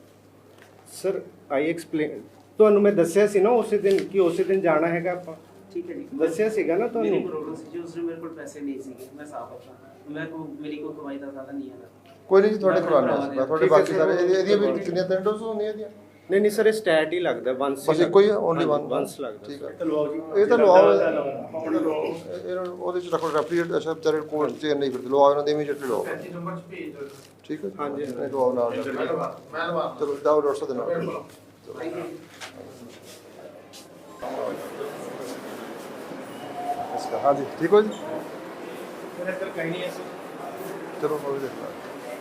Speaker 6: ਸਰ ਆਈ ਐਕਸਪਲੇਨ ਤੁਹਾਨੂੰ ਮੈਂ ਦੱਸਿਆ ਸੀ ਨਾ ਉਸੇ ਦਿਨ ਕਿ ਉਸੇ ਦਿਨ ਜਾਣਾ ਹੈਗਾ ਆਪਾਂ
Speaker 7: ਠੀਕ ਹੈ ਜੀ
Speaker 6: ਦੱਸਿਆ ਸੀਗਾ ਨਾ
Speaker 7: ਮੇਰੀ
Speaker 6: ਤੁਹਾਨੂੰ
Speaker 7: ਪ੍ਰੋਬਲਮ ਸੀ ਜੀ ਉਸ ਮੇਰੇ ਕੋਲ ਪੈਸੇ ਨਹੀਂ ਸੀਗੇ ਮੈਂ ਸਾਫ ਆਪਣਾ ਮੈਂ ਕੋ ਮੇਰੀ ਕੋਈ ਕਮਾਈ ਦਾ ਸਾਧਨ ਨਹੀਂ ਹੈ
Speaker 1: ਕੋਈ ਨਹੀਂ ਜੀ ਤੁਹਾਡੇ ਕਰਵਾਉਣਾ ਮੈਂ ਤੁਹਾਡੇ
Speaker 6: ਠੀਕ ਹੈ
Speaker 1: ਬਾਕੀ
Speaker 6: ਸਰ,
Speaker 1: ਸਾਰੇ
Speaker 6: ਉਹ-
Speaker 1: ਇਹਦੀਆਂ ਇਹਦੀਆਂ ਵੀ ਕਿੰਨੀਆਂ ਤਿੰਨ ਡੋਜ਼ ਹੁੰਦੀਆਂ ਇਹਦੀਆਂ
Speaker 6: ਨਹੀਂ ਨਹੀਂ ਸਰ ਇਹ ਸਟੈਟ ਹੀ ਲੱਗਦਾ ਵਨਸ
Speaker 1: ਬਸ ਇੱਕੋ ਹੀ ਓਨਲੀ ਵਨ
Speaker 6: ਵਨਸ ਲੱਗਦਾ
Speaker 1: ਠੀਕ ਹੈ
Speaker 2: ਲਵਾਓ ਜੀ
Speaker 1: ਇਹ ਤਾਂ ਲਵਾਓ ਇਹ ਲਵਾਓ। ਇਹਨਾਂ ਨੂੰ ਉਹਦੇ ਚ ਰੱਖੋ ਰੈਫਰੀਜਰੇਟਰ ਅੱਛਾ ਵਿਚਾਰੇ ਕੋਲ ਚ ਨਹੀਂ ਫਿਰਦੇ ਲਵਾਓ ਇਹਨਾਂ ਦੇ ਇਮੀਡੀਏਟਲੀ ਲਵਾਓ
Speaker 5: ਪੈਂਤੀ ਨੰਬਰ ਚ ਭੇਜ ਦਿਓ
Speaker 1: ਠੀਕ ਹੈ
Speaker 6: ਹਾਂਜੀ, ਹਾਂਜੀ।
Speaker 1: ਨਹੀਂ ਲਵਾਓ ਨਾਲ
Speaker 5: ਮੈਂ ਲਵਾ
Speaker 1: ਚਲੋ ਜਾਓ ਡਾਕਟਰ ਸਾਹਿਬ ਦੇ ਨਾਲ इसका हाँ जी ठीक हो जी
Speaker 2: मेरे अंदर कहीं नहीं है सर
Speaker 1: चलो मैं भी देखता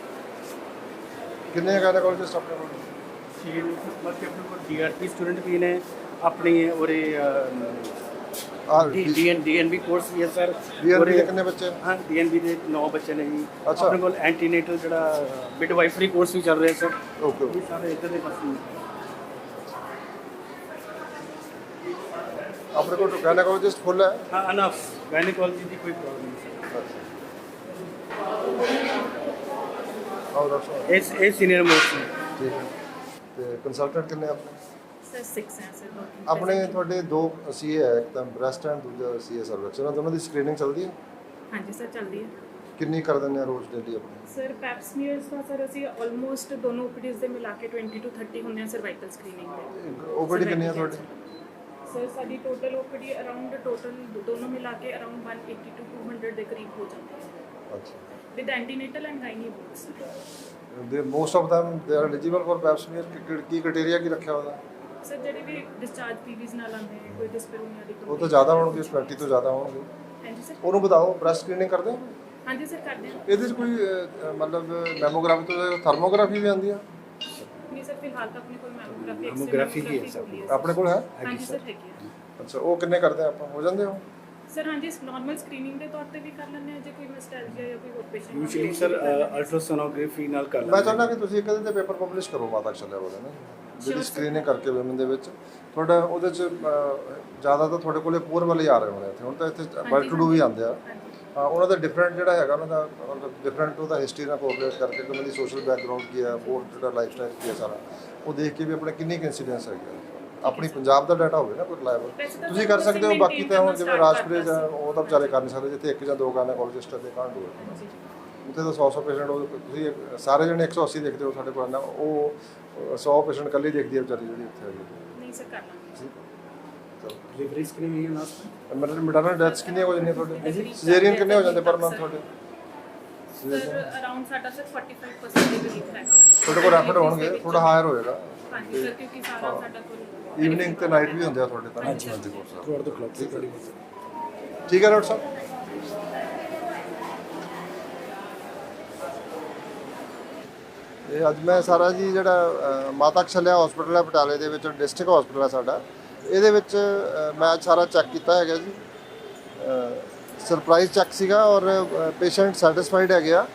Speaker 1: कितने गायनेकोलॉजिस्ट अपने को
Speaker 2: ਛੇ ਬਾਕੀ ਆਪਣੇ ਕੋਲ ਡੀਆਰਪੀ ਸਟੂਡੈਂਟ ਵੀ ਨੇ ਆਪਣੀ ਔਰੇ
Speaker 1: हाँ
Speaker 2: ਡੀਐਨ ਡੀਐਨਬੀ ਕੋਰਸ ਵੀ ਹੈ ਸਰ
Speaker 1: डीएनबी के कितने बच्चे हैं?
Speaker 2: ਹਾਂ ਡੀਐਨਬੀ ਦੇ ਨੌ ਬੱਚੇ ਨੇ ਜੀ
Speaker 1: ਅੱਛਾ।
Speaker 2: ਆਪਣੇ ਕੋਲ ਐਂਟੀਨੇਟਲ ਜਿਹੜਾ ਮਿਡਵਾਈਫਰੀ ਕੋਰਸ ਵੀ ਚੱਲ ਰਿਹਾ ਸਰ
Speaker 1: ओके
Speaker 2: ਇਹ ਸਾਰੇ ਇੱਧਰ ਦੇ ਪਾਸੇ ਨੇ।
Speaker 1: अपने को गायनेकोलॉजिस्ट फुल है
Speaker 2: ਹਾਂ ਅਨਫ ਗਾਇਨੇਕੋਲੋਜੀ ਦੀ ਕੋਈ ਪ੍ਰੋਬਲਮ ਨਹੀਂ
Speaker 1: और डॉक्टर साहब
Speaker 2: ਸਰ ਇਸ ਇਹ ਸੀਨੀਅਰ ਮੋਸਟ ਨੇ
Speaker 1: ठीक है तो कंसल्टेंट कितने अपने
Speaker 3: ਸਰ ਸਿਕਸ ਹੈ ਸਰ
Speaker 1: ਆਪਣੇ ਤੁਹਾਡੇ ਦੋ ਸੀਏ ਹੈ ਇੱਕ ਤਾਂ ਬ੍ਰੈਸਟ ਐਂਡ ਦੂਜਾ ਸੀਏ ਸਰਵਿਕਸ ਉਹਨਾਂ ਦੋਨਾਂ ਦੀ ਸਕਰੀਨਿੰਗ ਚੱਲਦੀ ਹੈ
Speaker 9: ਹਾਂਜੀ ਸਰ ਚੱਲਦੀ ਹੈ
Speaker 1: ਕਿੰਨੀ ਕਰ ਦਿੰਦੇ ਆ ਰੋਜ਼ ਡੇਲੀ ਆਪਣੀ
Speaker 9: ਸਰ ਪੈਪਸਮੀਅਰਸ ਦਾ ਸਰ ਅਸੀਂ ਆਲਮੋਸਟ ਦੋਨੋਂ ਓਪੀਡੀਜ਼ ਦੇ ਮਿਲਾ ਕੇ ਵੀਹ ਤੋਂ ਤੀਹ ਹੁੰਦੇ ਆ ਸਰਵਾਈਕਲ ਸਕਰੀਨਿੰਗ ਦੇ
Speaker 1: ਓਪੀਡੀ ਕਿੰਨੀ ਆ ਤੁਹਾਡੀ
Speaker 9: ਸਰ ਸਾਡੀ ਟੋਟਲ ਓਪੀਡੀ ਅਰਾਊਂਡ ਟੋਟਲ ਦੋਨੋਂ ਮਿਲਾ ਕੇ ਅਰਾਊਂਡ ਇੱਕ ਸੌ ਅੱਸੀ ਤੋਂ ਦੋ ਸੌ ਦੇ ਕਰੀਬ ਹੋ ਜਾਂਦੀ ਹੈ
Speaker 1: ਅੱਛਾ
Speaker 9: with antenatal and gynae both
Speaker 1: ਦੇ most of them they are eligible for pap smear ਕੀ ਕੀ ਕ੍ਰਾਈਟੇਰੀਆ ਕੀ ਰੱਖਿਆ ਹੋਇਆ
Speaker 9: ਸਰ ਜਿਹੜੇ ਵੀ ਡਿਸਚਾਰਜ ਪੀਵੀਜ਼ ਨਾਲ ਆਉਂਦੇ ਨੇ ਕੋਈ ਡਿਸਪੈਰੋਨੀਆ ਦੀ
Speaker 1: ਉਹ ਤਾਂ ਜ਼ਿਆਦਾ ਹੋਣਗੇ ਵੀਹ ਤੋਂ ਜ਼ਿਆਦਾ ਹੋਣਗੇ
Speaker 9: ਹਾਂਜੀ ਸਰ
Speaker 1: ਉਹਨੂੰ ਬਤਾਓ ਬ੍ਰੈਸਟ ਸਕਰੀਨਿੰਗ ਕਰਦੇ ਹੋ
Speaker 9: ਹਾਂਜੀ ਸਰ ਕਰਦੇ ਹਾਂ
Speaker 1: ਇਹਦੇ 'ਚ ਕੋਈ ਅਹ, ਮਤਲਬ ਮੈਮੋਗ੍ਰਾਫੀ ਤੋਂ ਥਰਮੋਗ੍ਰਾਫੀ ਵੀ ਆਉਂਦੀ ਆ
Speaker 9: ਨਹੀਂ ਸਰ ਫਿਲਹਾਲ ਤਾਂ ਆਪਣੇ ਕੋਲ ਮੈਮੋਗ੍ਰਾਫੀ
Speaker 2: Mammography ਹੀ ਹੈ ਸਰ।
Speaker 1: ਆਪਣੇ ਕੋਲ ਹੈ
Speaker 9: ਹਾਂਜੀ ਸਰ ਹੈਗੀ ਹੈ
Speaker 1: ਅੱਛਾ ਉਹ ਕਿੰਨੇ ਕਰਦੇ ਆ ਆਪਾਂ ਹੋ ਜਾਂਦੇ ਹੋ
Speaker 9: ਸਰ ਹਾਂਜੀ ਨਾਰਮਲ ਸਕਰੀਨਿੰਗ ਦੇ ਤੌਰ ਤੇ ਵੀ ਕਰ ਲੈਂਦੇ ਆ ਜੇ ਕੋਈ ਨੋਸਟੈਲਜੀਆ ਜਾਂ ਕੋਈ ਹੋਰ ਪੇਸ਼ੈਂਟ
Speaker 2: ਯੂਜੂਅਲੀ ਸਰ ਅਲਟਰਾਸੋਨੋਗ੍ਰਾਫੀ ਨਾਲ ਕਰ
Speaker 1: ਮੈਂ
Speaker 2: ਲੈਂਦੇ
Speaker 1: ਚਾਹੁੰਦਾ ਕਿ ਤੁਸੀਂ ਇੱਕ ਇਹਦੇ ਤੇ ਪੇਪਰ ਪਬਲਿਸ਼ ਕਰੋ ਮਾਤਾ ਚੱਲਿਆ ਉਹਦੇ ਨਾ ਜਿਹੜੀ ਸਕਰੀਨਿੰਗ ਕਰਕੇ ਵੂਮਨ ਦੇ ਵਿੱਚ ਤੁਹਾਡਾ ਉਹਦੇ ਚ ਅਹ, ਜ਼ਿਆਦਾ ਤਾਂ ਤੁਹਾਡੇ ਕੋਲੇ ਪੂਰ ਵਾਲੇ ਆ ਰਹੇ ਹੋਣੇ ਇੱਥੇ ਹੁਣ ਤਾਂ ਇੱਥੇ ਵੈਲ ਟੂ ਡੂ ਵੀ ਆਉਂਦੇ ਆ ਹਾਂ, ਉਹਨਾਂ ਦਾ ਡਿਫਰੈਂਟ ਜਿਹੜਾ ਹੈਗਾ ਉਹਨਾਂ ਦਾ ਮਤਲਬ ਡਿਫਰੈਂਟ ਉਹਦਾ ਹਿਸਟਰੀ ਨਾਲ ਕੋਆਪਰੇਟ ਕਰਕੇ ਕਿ ਉਹਨਾਂ ਦੀ ਸੋਸ਼ਲ ਬੈਕਗ੍ਰਾਉਂਡ ਕੀ ਹੈ ਹੋਰ ਜਿਹੜਾ ਲਾਈਫ ਸਟਾਈਲ ਕੀ ਹੈ ਸਾਰਾ ਉਹ ਦੇਖ ਕੇ ਵੀ ਆਪਣੇ ਕਿੰਨੀ ਇੰਸੀਡੈਂਸ ਹੈਗਾ ਆਪਣੀ ਪੰਜਾਬ ਦਾ ਡਾਟਾ ਹੋਵੇ ਨਾ ਕੋਈ ਰਿਲਾਇਬਲ ਤੁਸੀਂ ਕਰ ਸਕਦੇ ਹੋ ਬਾਕੀ ਤਾਂ ਹੁਣ ਜਿਵੇਂ ਰਾਜਪੁਰੇ ਜਾਂ ਉਹ ਤਾਂ ਵਿਚਾਰੇ ਕਰ ਨਹੀਂ ਸਕਦੇ ਜਿੱਥੇ ਇੱਕ ਜਾਂ ਦੋ ਗਾਇਨੇਕੋਲੋਜਿਸਟ ਦੇ ਕਾਂਡ ਹੋਵੇ ਉੱਥੇ ਤਾਂ ਸੌ ਸੌ ਪੇਸ਼ੈਂਟ ਉਹ ਤੁਸੀਂ ਸਾਰੇ ਜਣੇ ਇੱਕ ਸੌ ਅੱਸੀ ਦੇਖਦੇ ਹੋ ਸਾਡੇ ਕੋਲ ਨਾ ਉਹ ਸੌ ਪੇਸ਼ੈਂਟ ਇਕੱਲੇ ਦੇਖਦੀ ਹੈ ਵਿਚਾਰੀ ਜਿਹੜੀ ਉੱਥੇ ਹੈਗੀ
Speaker 9: ਨਹੀਂ ਸਰ ਕਰ ਲਾਂਗੇ
Speaker 2: ਡਿਲੀਵਰੀ ਸਕਰੀਨਿੰਗ ਨਾਲ
Speaker 1: ਮਤਲਬ ਮੈਟਰਨਲ ਡੈਥਸ ਕਿੰਨੀਆਂ ਹੋ ਜਾਂਦੀਆਂ ਤੁਹਾਡੇ ਸਿਜ਼ੇਰੀਅਨ ਕਿੰਨੇ ਹੋ ਜਾਂਦੇ ਪਰ ਮੰਥ ਤੁਹਾਡੇ
Speaker 9: ਸਰ ਅਰਾਊਂਡ ਸਾਡਾ ਸਰ ਪੰਜ ਪਰਸੈਂਟ ਦੇ ਕਰੀਬ ਹੈਗਾ
Speaker 1: ਤੁਹਾਡੇ ਕੋਲ ਰੈਫਰ ਹੋਣਗੇ ਥੋੜਾ ਹਾਇਰ ਹੋਏਗਾ
Speaker 9: ਹਾਂਜੀ ਸਰ ਕਿਉਂਕਿ ਸਾਰਾ ਸਾਡਾ ਕੋਲ
Speaker 1: ਈਵਨਿੰਗ ਤੇ ਨਾਈਟ ਵੀ ਹੁੰਦੇ ਆ ਤੁਹਾਡੇ ਤਾਂ ਹਾਂਜੀ ਹਾਂਜੀ ਥਰੂਆਊਟ ਦ ਕਲੱਬ ਠੀਕ ਹੈ ਡਾਕਟਰ ਸਾਹਿਬ ਇਹ ਅੱਜ ਮੈਂ ਸਾਰਾ ਜੀ ਜਿਹੜਾ ਅ, ਮਾਤਾ ਕਸ਼ਲਿਆ ਹਸਪੀਟਲ ਹੈ ਬਟਾਲੇ ਦੇ ਵਿੱਚ ਡਿਸਟ੍ਰਿਕਟ ਹਸਪੀਟਲ ਹੈ ਸਾਡਾ ਇਹਦੇ ਵਿੱਚ ਅ, ਮੈਂ ਅੱਜ ਸਾਰਾ ਚੈੱਕ ਕੀਤਾ ਹੈਗਾ ਜੀ ਸਰਪ੍ਰਾਈਜ਼ ਚੈੱਕ ਸੀਗਾ ਔਰ ਪੇਸ਼ੈਂਟ ਸੈਟੀਸਫਾਈਡ ਹੈਗੇ ਆ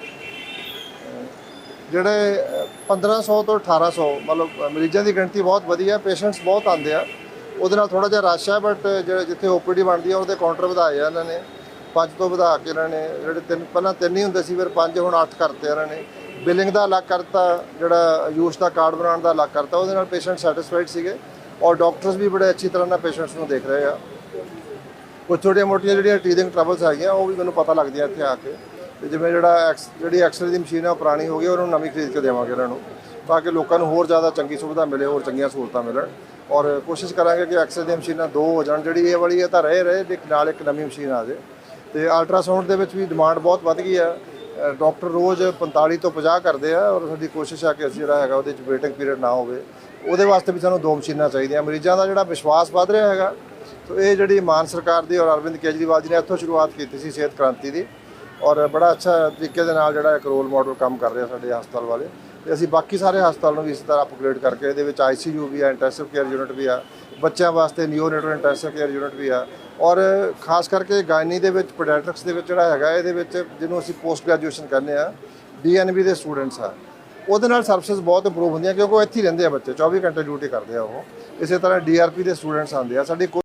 Speaker 1: ਜਿਹੜੇ ਅ, ਪੰਦਰਾਂ ਸੌ ਤੋਂ ਅਠਾਰਾਂ ਸੌ ਮਤਲਬ ਅ, ਮਰੀਜ਼ਾਂ ਦੀ ਗਿਣਤੀ ਬਹੁਤ ਵਧੀਆ ਪੇਸ਼ੈਂਟਸ ਬਹੁਤ ਆਉਂਦੇ ਆ ਉਹਦੇ ਨਾਲ ਥੋੜਾ ਜਿਹਾ ਰਸ਼ ਹੈ ਬਟ ਜਿਹੜੇ ਜਿੱਥੇ ਓਪੀਡੀ ਬਣਦੀ ਆ ਉਹਦੇ ਕਾਊਂਟਰ ਵਧਾਏ ਆ ਇਹਨਾਂ ਨੇ ਪੰਜ ਤੋਂ ਵਧਾ ਕੇ ਇਹਨਾਂ ਨੇ ਜਿਹੜੇ ਤਿੰਨ ਪਹਿਲਾਂ ਤਿੰਨ ਹੀ ਹੁੰਦੇ ਸੀ ਫਿਰ ਪੰਜ ਹੁਣ ਅੱਠ ਕਰਤੇ ਇਹਨਾਂ ਨੇ ਬਿਲਿੰਗ ਦਾ ਅਲੱਗ ਕਰਤਾ ਜਿਹੜਾ ਆਯੂਸ਼ ਦਾ ਕਾਰਡ ਬਣਾਉਣ ਦਾ ਅਲੱਗ ਕਰਤਾ ਉਹਦੇ ਨਾਲ ਪੇਸ਼ੈਂਟ ਸੈਟੀਸਫਾਈਡ ਸੀਗੇ ਔਰ ਡਾਕਟਰਸ ਵੀ ਬੜੇ ਅੱਛੀ ਤਰ੍ਹਾਂ ਨਾਲ ਪੇਸ਼ੈਂਟਸ ਨੂੰ ਦੇਖ ਰਹੇ ਆ ਕੁਝ ਛੋਟੀਆਂ ਮੋਟੀਆਂ ਜਿਹੜੀਆਂ ਟੀਥਿੰਗ ਟਰਬਲਸ ਹੈਗੀਆਂ ਉਹ ਵੀ ਮੈਨੂੰ ਪਤਾ ਲੱਗਦੀਆਂ ਇੱਥੇ ਆ ਕੇ ਤੇ ਜਿਵੇਂ ਜਿਹੜਾ ਐਕਸ ਜਿਹੜੀ ਐਕਸਰੇ ਦੀ ਮਸ਼ੀਨ ਹੈ ਉਹ ਪੁਰਾਣੀ ਹੋ ਗਈ ਉਹਨੂੰ ਨਵੀਂ ਖਰੀਦ ਕੇ ਦੇਵਾਂਗੇ ਇਹਨਾਂ ਨੂੰ ਤਾਂ ਕਿ ਲੋਕਾਂ ਨੂੰ ਹੋਰ ਜ਼ਿਆਦਾ ਚੰਗੀ ਸੁਵਿਧਾ ਮਿਲੇ ਹੋਰ ਚੰਗੀਆਂ ਸਹੂਲਤਾਂ ਮਿਲਣ ਔਰ ਕੋਸ਼ਿਸ਼ ਕਰਾਂਗੇ ਕਿ ਐਕਸਰੇ ਦੀਆਂ ਮਸ਼ੀਨਾਂ ਦੋ ਹੋ ਜਾਣ ਜਿਹੜੀ ਇਹ ਵਾਲੀ ਹੈ ਤਾਂ ਰਹੇ ਰਹੇ ਇੱਕ ਨਾਲ ਇੱਕ ਨਵੀਂ ਮਸ਼ੀਨ ਆ ਜਾਏ ਤੇ ਅਲਟਰਾਸਾਊਂਡ ਦੇ ਵਿੱਚ ਵੀ ਡਿਮਾਂਡ ਬਹੁਤ ਵੱਧ ਗਈ ਆ ਡਾਕਟਰ ਰੋਜ਼ ਪੰਤਾਲੀ ਤੋਂ ਪੰਜਾਹ ਕਰਦੇ ਆ ਔਰ ਸਾਡੀ ਕੋਸ਼ਿਸ਼ ਆ ਕਿ ਅਸੀਂ ਜਿਹੜਾ ਹੈਗਾ ਉਹਦੇ 'ਚ ਵੇਟਿੰਗ ਪੀਰੀਅਡ ਨਾ ਹੋਵੇ ਉਹਦੇ ਵਾਸਤੇ ਵੀ ਸਾਨੂੰ ਦੋ ਮਸ਼ੀਨਾਂ ਚਾਹੀਦੀਆਂ ਮਰੀਜ਼ਾਂ ਦਾ ਜਿਹੜਾ ਵਿਸ਼ਵਾਸ ਵੱਧ ਰਿਹਾ ਹੈਗਾ ਸੋ ਇਹ ਜਿਹੜੀ ਮਾਨ ਸਰਕਾਰ ਦੀ ਔਰ ਅਰਵਿੰਦ ਕੇਜਰੀਵਾਲ ਜੀ ਨੇ ਇੱਥੋਂ ਸ਼ੁਰੂਆਤ ਕੀਤੀ ਸੀ ਸਿਹਤ ਕ੍ਰਾਂਤੀ ਦੀ ਔਰ ਬੜਾ ਅੱਛਾ ਤਰੀਕੇ ਦੇ ਨਾਲ ਜਿਹੜਾ ਇੱਕ ਰੋਲ ਮਾਡਲ ਕੰਮ ਕਰ ਰਿਹਾ ਸਾਡੇ ਹਸਪਤਾਲ ਵਾਲੇ ਤੇ ਅਸੀਂ ਬਾਕੀ ਸਾਰੇ ਹਸਪਤਾਲ ਨੂੰ ਵੀ ਇਸੇ ਤਰ੍ਹਾਂ ਅਪਗ੍ਰੇਡ ਕਰਕੇ ਇਹਦੇ ਵਿੱਚ ਆਈਸੀਯੂ ਵੀ ਆ ਇੰਟੈਂਸਿਵ ਕੇਅਰ ਯੂਨਿਟ ਵੀ ਆ ਬੱਚਿਆਂ ਵਾਸਤੇ ਨਿਓਨੇਟਲ ਇੰਟੈਂਸਿਵ ਕੇਅਰ ਯੂਨਿਟ ਵੀ ਆ ਔਰ ਖਾਸ ਕਰਕੇ ਗਾਇਨੀ ਦੇ ਵਿੱਚ ਪੀਡੀਆਟ੍ਰਿਕਸ ਦੇ ਵਿੱਚ ਜਿਹੜਾ ਹੈਗਾ ਇਹਦੇ ਵਿੱਚ ਜਿਹਨੂੰ ਅਸੀਂ ਪੋਸਟ ਗ੍ਰੈਜੂਏਸ਼ਨ ਕਹਿੰਦੇ ਆ ਡੀਐਨਬੀ ਦੇ ਸਟੂਡੈਂਟਸ ਆ ਉਹਦੇ ਨਾਲ ਸਰਵਿਸਿਜ਼ ਬਹੁਤ ਇੰਪਰੂਵ ਹੁੰਦੀਆਂ ਕਿਉਂਕਿ ਉਹ ਇੱਥੇ ਹੀ ਰਹਿੰਦੇ ਆ ਬੱਚੇ ਚੌਵੀ ਘੰਟੇ ਡਿਊਟੀ ਕਰਦੇ ਆ ਉਹ ਇਸੇ ਤਰ੍ਹਾਂ ਡੀਆਰਪੀ ਦੇ ਸਟੂਡੈਂਟਸ ਆਉਂਦੇ ਆ ਸਾਡੀ